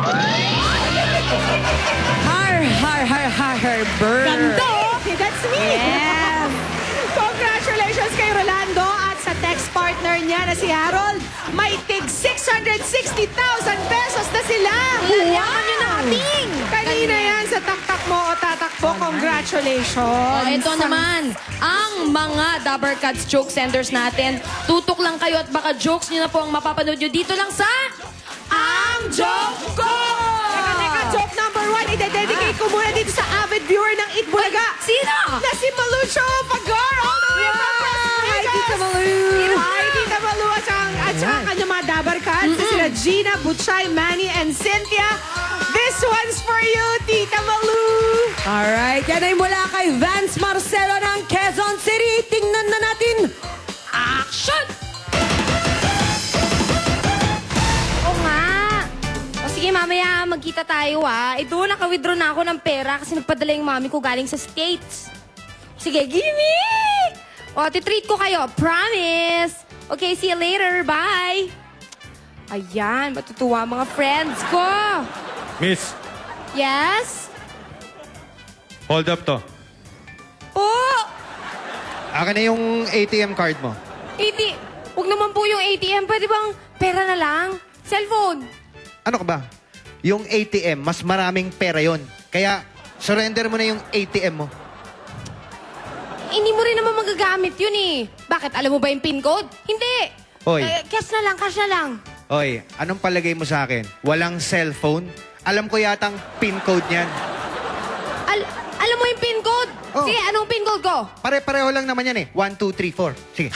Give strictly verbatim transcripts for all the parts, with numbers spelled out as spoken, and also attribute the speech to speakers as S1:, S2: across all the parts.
S1: Har, har, har, har, har, burr.
S2: Ganda, oh. That's me.
S1: Yes.
S2: Congratulations kay Rolando at sa text partner niya na si Harold. May tig six hundred sixty thousand pesos na sila.
S1: Yaman nyo natin.
S2: Kanina yan sa taktak mo o tatakbo. Congratulations.
S3: Oh, ito naman, ang mga Dabber Cats joke senders natin. Tutok lang kayo at baka jokes nyo na po ang mapapanood nyo dito lang sa...
S2: Ang joke ko! Teka, teka, joke number one. Ide-dedicate ko muna dito sa avid viewer ng Eat Bulaga.
S3: Sino?
S2: Na si Malucho Pagar all the way from Las
S1: Hi,
S2: Vegas.
S1: Tita Malu.
S2: Hi, Tita Malu. At saka, at saka kanyang mga Dabber Cats. na Sila Gina, Butchay, Manny, and Cynthia. This one's for you, Tita Malu.
S1: Alright, yan ay mula kay Vance Marcelo ng Quezon City. Tingnan na natin.
S3: Action! Oo nga. O sige, mamaya magkita tayo ah. Ito, naka-withdraw na ako ng pera kasi nagpadala yung mami ko galing sa States. Sige, gimme! O, titreat ko kayo. Promise! Okay, see you later. Bye! Ayan, matutuwa mga friends ko.
S4: Miss,
S3: Yes?
S4: hold up to.
S3: Oh!
S5: Akin na yung A T M card mo.
S3: A T M. Huwag naman po yung A T M. Pwede bang pera na lang? Cellphone.
S5: Ano ka ba? Yung A T M, mas maraming pera yon. Kaya, surrender mo na yung A T M mo.
S3: Hindi mo rin naman magagamit yun eh. Bakit? Alam mo ba yung PIN code? Hindi.
S5: Hoy.
S3: Eh, cash na lang, cash na lang.
S5: Hoy, anong palagay mo sa akin? Walang cellphone? Alam ko yatang PIN code niyan.
S3: Al alam mo yung PIN code?
S5: Oh.
S3: Sige, anong PIN code ko?
S5: Pare-pareho lang naman yan eh. One, two, three, four. Sige.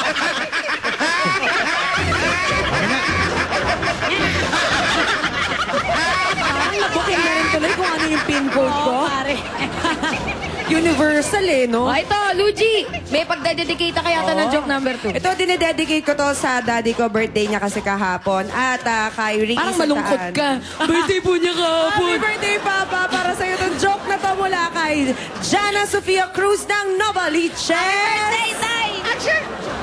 S1: Nabuking na rin tuloy kung ano yung pin code ko.
S2: pare.
S1: Universal eh, no?
S3: Oh, ito, Luigi. May pagdededicate ka yata ng joke number two.
S1: Ito, dinededicate ko to sa daddy ko. Birthday niya kasi kahapon. At uh, kay Ricky
S3: Parang malungkot
S1: Santaan.
S3: ka. Birthday po niya
S1: Happy birthday, Papa! Para sa'yo itong joke na to mula kay Jana Sofia Cruz ng Novaliches.
S3: Tay, tay! Action!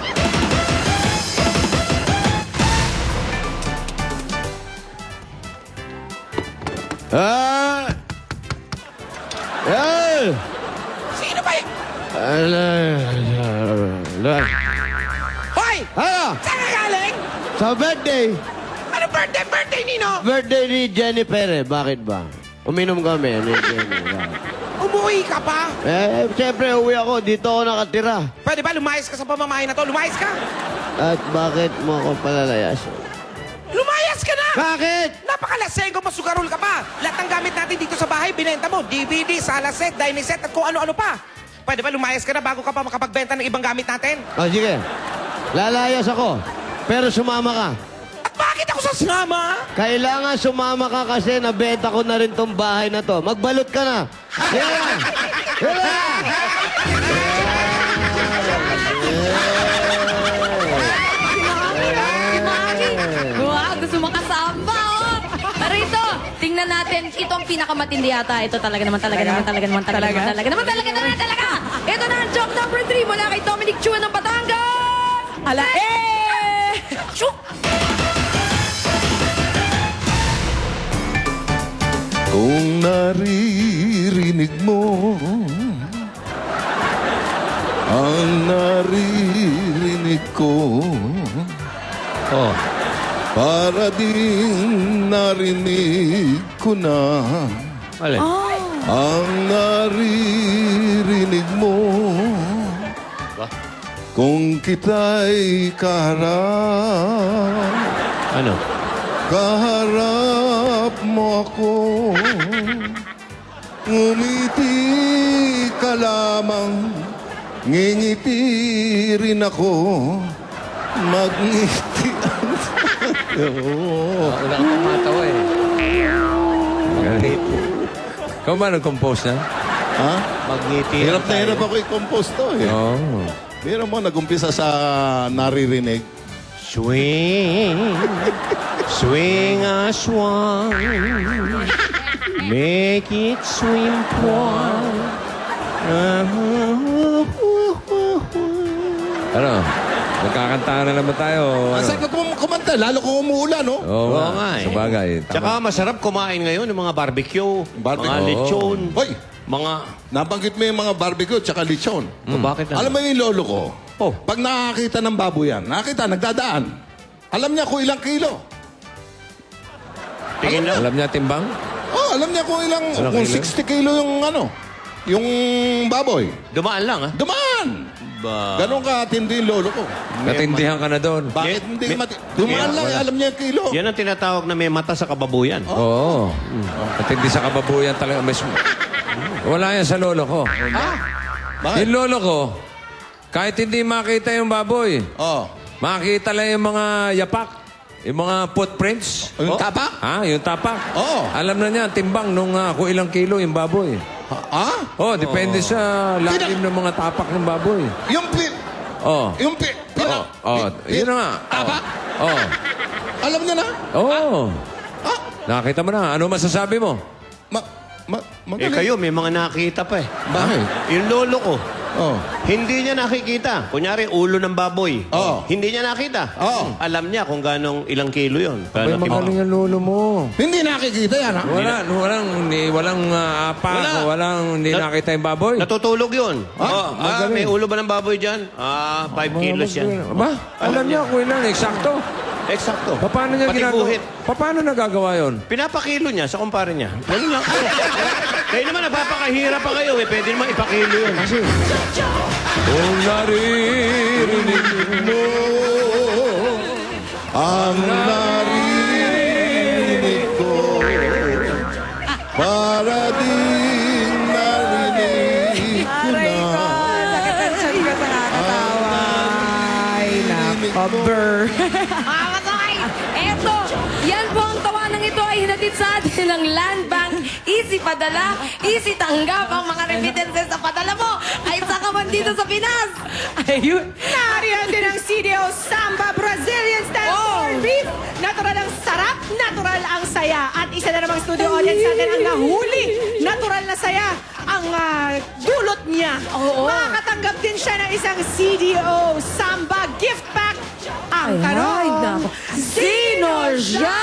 S6: Ah! Ay!
S2: Sino ba yun?
S6: Ala, ala.
S2: Hoy!
S6: Ano?
S2: Saan ka galing?
S6: Sa birthday.
S2: Ano birthday, birthday, Nino?
S6: Birthday ni Jennifer eh. Bakit ba? Uminom kami ni Jennifer.
S2: Umuwi ka pa?
S6: Eh, siyempre, uwi ako. Dito ako nakatira.
S2: Pwede ba lumayas ka sa pamamahay na to? Lumayas ka?
S6: At bakit mo ako palalayas?
S2: Lumayas ka na!
S6: Bakit?
S2: Napakalasenggo, masugarol ka pa. Lahat ng gamit natin dito sa bahay, binenta mo. D V D, sala set, dining set, at kung ano-ano pa. Pwede ba lumayas ka na bago ka pa makapagbenta ng ibang gamit natin?
S6: O, sige. Lalayas ako. Pero sumama ka.
S2: At bakit ako sasama?
S6: Kailangan sumama ka kasi nabenta ko na rin tong bahay na to. Magbalot ka na. Yeah! Yeah!
S3: Wow, gusto makasama, oh! Pero ito, tingnan natin, ito ang pinakamatindi yata. Ito talaga naman, talaga naman, talaga naman, talaga naman, talaga naman, talaga naman, talaga! Ito na ang joke number three mula kay Dominic Chua ng Batangas!
S1: Ala, eh!
S3: Chuk!
S7: Kung naririnig mo ang naririnig ko,
S6: Oh.
S7: para din narinig ko na
S6: Alin?
S7: ang naririnig mo.
S6: Ba?
S7: Kung kita'y kaharap,
S6: Ano?
S7: kaharap mo ako, ngumiti ka lamang, ngingiti rin ako, magngiti ang
S6: Oo. Ako na kumatawa eh. Galit. Ikaw ba nag-compose na?
S7: Ha?
S6: Magngiti.
S7: Hirap na hirap ako i-compose to eh.
S6: Oo.
S7: Meron mo nag-umpisa sa naririnig.
S6: Swing. Swing a swan. Make it swim one. Ano?
S8: Magkakantahan na naman tayo.
S7: Ang
S8: Ano?
S7: sarap kum- kumanta, lalo kung umuulan, no?
S8: Oo
S6: Oo
S8: nga.
S6: nga eh.
S8: Sabagay.
S6: Tsaka masarap kumain ngayon ng mga barbecue,
S7: Barbecue.
S6: mga lechon,
S7: Hoy,
S6: mga...
S7: nabanggit mo yung mga barbecue tsaka lechon.
S6: O, bakit na?
S7: Alam mo yung lolo ko?
S6: Oh.
S7: Pag nakakita ng baboy yan, nakakita, nagdadaan. Alam niya kung ilang kilo.
S6: Tingin na.
S8: Alam niya timbang?
S7: Oh, alam niya kung ilang,
S8: Ilang
S7: kung
S8: kilo?
S7: sixty kilo yung ano, yung baboy.
S6: Dumaan lang, ha?
S7: Dumaan!
S6: Ba...
S7: Ganon katindi yung lolo ko.
S8: Natindihan ka na doon.
S7: Bakit
S6: May-
S7: hindi
S6: may-
S7: mati... Dumaan lang, eh, alam niya yung kilo.
S6: Yan ang tinatawag na may mata sa kababuyan.
S8: Oo. Natindi sa kababuyan talaga. Mas... Wala yan sa lolo ko.
S7: Bakit?
S8: Yung lolo ko, kahit hindi makita yung baboy,
S7: Oh.
S8: makita lang yung mga yapak, yung mga footprints.
S7: Yung tapak?
S8: Ha? Yung tapak.
S7: Oo.
S8: Alam na niya, timbang nung ah, kung ilang kilo yung baboy.
S7: Ah?
S8: Oh, depende sa lalim ng mga tapak ng baboy.
S7: Yung pi...
S8: Oh.
S7: Yung pi... pina-
S8: Oh,
S7: pi-
S8: yun na nga.
S7: Tapak?
S8: Oh.
S7: Alam niya na?
S8: Oh.
S7: Ah?
S8: Nakita mo na. Ano masasabi mo?
S7: Ma... Ma...
S6: Eh
S7: Magaling.
S6: kayo, may mga nakita pa eh.
S7: Bakit?
S6: Yung lolo ko,
S7: Oh.
S6: hindi niya nakikita. Kunyari, ulo ng baboy.
S7: Oo.
S6: Hindi niya nakita.
S7: Oo.
S6: Alam niya kung ganong ilang kilo yun.
S8: Ay,
S6: Gano'ng kilo.
S8: magaling ang lolo mo.
S7: Hindi nakikita yan, ha?
S8: Wala, walang, ni, walang uh, apa,
S6: Wala.
S8: walang hindi
S6: Na-
S8: nakita yung baboy.
S6: Natutulog yun.
S7: Ah,
S6: Oh, ah,
S8: magaling.
S6: may ulo ba ng baboy dyan? Ah, five kilos yan.
S8: Ba? Alam niya kung ilan, eksakto.
S6: Eksakto.
S8: Pa- Paano niya
S6: Pati
S8: ginagawa?
S6: buhit.
S8: Pa- Paano nagagawa yun?
S6: Pinapakilo niya sa kumpare niya. Ganun lang. Kayo naman, napapakahira pa kayo eh. Pwede naman ipakilo yun. Kasi,
S8: Kung naririnig mo.
S7: Ang narinig ko para din narinig ko
S1: Aray ko,
S7: na.
S1: sakit ang tiyan ko sa kakatawa. Ay, nakaber.
S3: Mga katay, eto, yan po ang tawanang ito ay hinatid sa atin ng Land Bank. Easy padala, easy tanggap ang mga remittances sa padala mo. Ay sa ka man dito sa Pinas.
S1: Ayun.
S9: Nariyan din ang C D O Samba Brazilian Style
S1: Oh.
S9: Corned Beef. Natural ang sarap, natural ang saya. At isa na namang studio audience natin ang nahuli. Natural na saya ang ah, dulot niya.
S1: Oo.
S9: Makakatanggap din siya ng isang C D O Samba gift pack. Ang
S1: Ay,
S9: tanong,
S1: ay, nako. Sino siya?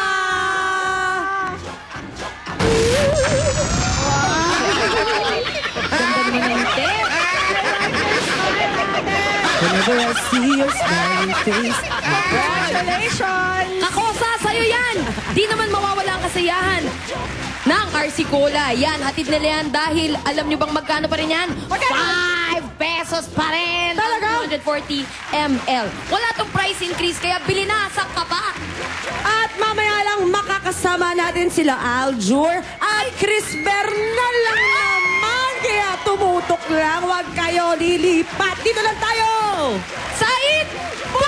S3: Ganda naman ng tip.
S1: Whenever I see your smiling face.
S9: Congratulations!
S3: Kakosa, sa'yo yan! Di naman mawawala ang kasiyahan ng R C Cola. Yan, hatid nila yan dahil alam nyo bang magkano pa rin yan? five pesos pa rin! Talaga? two hundred forty milliliters. Wala tong price increase, kaya bili na sa kaba.
S1: At mamaya lang makakasama natin sila Aljur at Chris Bernal lang naman. Kaya tumutok lang, huwag kayo lilipat. Dito lang tayo!
S3: Sa It!